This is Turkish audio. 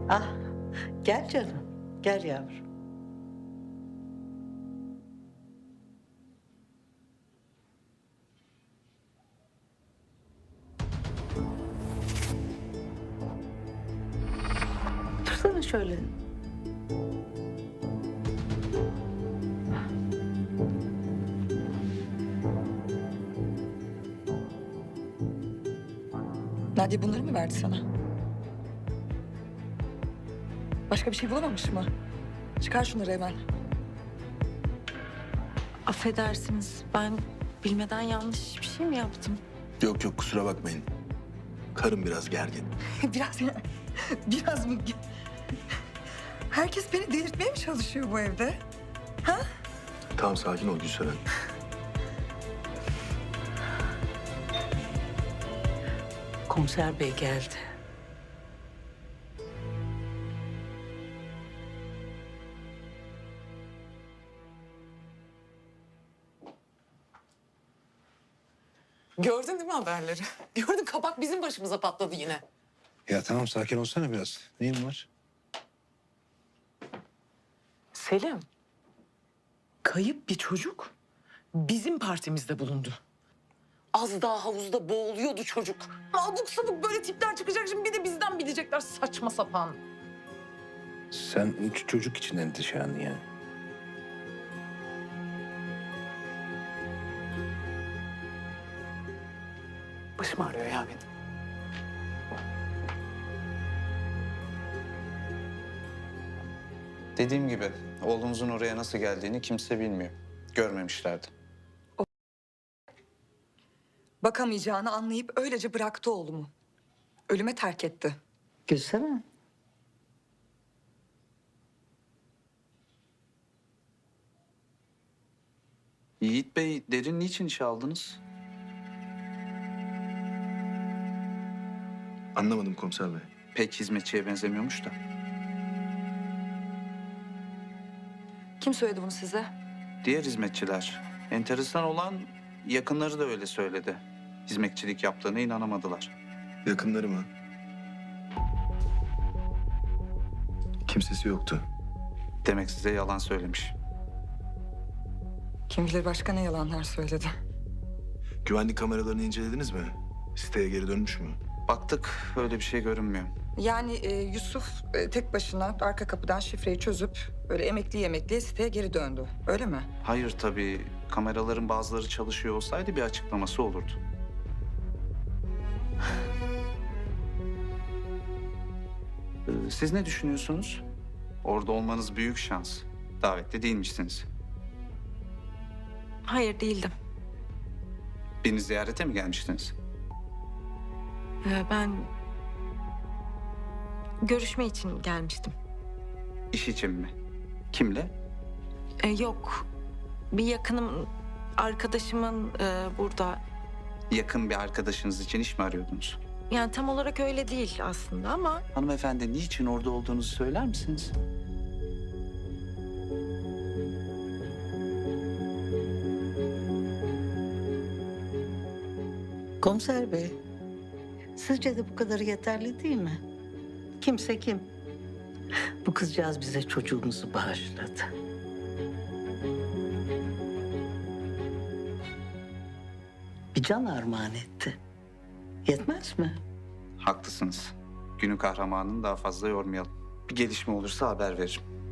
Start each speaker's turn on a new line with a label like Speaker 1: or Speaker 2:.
Speaker 1: Ah, gel canım. Gel yavrum. Dursana şöyle.
Speaker 2: Nadia bunları mı verdi sana? Başka bir şey bulamamış mı? Çıkar şunları hemen.
Speaker 3: Affedersiniz, ben bilmeden yanlış bir şey mi yaptım?
Speaker 4: Yok yok, kusura bakmayın. Karım biraz gergin.
Speaker 2: Biraz mı? Herkes beni delirtmeye mi çalışıyor bu evde?
Speaker 4: Tamam, sakin ol Gülseren.
Speaker 1: Komiser bey geldi.
Speaker 5: Gördün değil mi haberleri? Gördün, kabak bizim başımıza patladı yine.
Speaker 6: Ya tamam, sakin olsana biraz. Neyin var?
Speaker 5: Selim, kayıp bir çocuk bizim partimizde bulundu. Az daha havuzda boğuluyordu çocuk. Abuk sabuk böyle tipler çıkacak, şimdi bir de bizden bilecekler, saçma sapan.
Speaker 6: Sen çocuk için endişelensin yani.
Speaker 5: Başım ağrıyor ya benim.
Speaker 7: Dediğim gibi oğlumuzun oraya nasıl geldiğini kimse bilmiyor. Görmemişlerdi.
Speaker 2: Bakamayacağını anlayıp öylece bıraktı oğlumu. Ölüme terk etti.
Speaker 1: Gülsene.
Speaker 7: Yiğit Bey, Derin niçin işe aldınız?
Speaker 4: Anlamadım komiser bey.
Speaker 7: Pek hizmetçiye benzemiyormuş da.
Speaker 2: Kim söyledi bunu size?
Speaker 7: Diğer hizmetçiler. Enteresan olan yakınları da öyle söyledi. Hizmetçilik yaptığına inanamadılar.
Speaker 4: Yakınları mı? Kimsesi yoktu.
Speaker 7: Demek size yalan söylemiş.
Speaker 2: Kim bilir başka ne yalanlar söyledi.
Speaker 4: Güvenlik kameralarını incelediniz mi? Siteye geri dönmüş mü?
Speaker 7: Baktık, öyle bir şey görünmüyor.
Speaker 2: Yani Yusuf tek başına arka kapıdan şifreyi çözüp böyle emekli siteye geri döndü. Öyle mi?
Speaker 7: Hayır tabii, kameraların bazıları çalışıyor olsaydı bir açıklaması olurdu. Siz ne düşünüyorsunuz? Orada olmanız büyük şans. Davetli değilmişsiniz.
Speaker 3: Hayır, değildim.
Speaker 7: Birini ziyarete mi gelmiştiniz?
Speaker 3: Ben görüşme için gelmiştim.
Speaker 7: İş için mi? Kimle?
Speaker 3: Yok, bir yakınım, arkadaşımın burada.
Speaker 7: Yakın bir arkadaşınız için iş mi arıyordunuz?
Speaker 3: Yani tam olarak öyle değil aslında ama...
Speaker 7: Hanımefendi, niçin orada olduğunuzu söyler misiniz?
Speaker 1: Komiser bey. Sizce de bu kadarı yeterli değil mi? Kimse kim? Bu kızcağız bize çocuğumuzu bağışladı. Bir can armağan etti. Yetmez mi?
Speaker 7: Haklısınız. Günün kahramanını daha fazla yormayalım. Bir gelişme olursa haber veririm.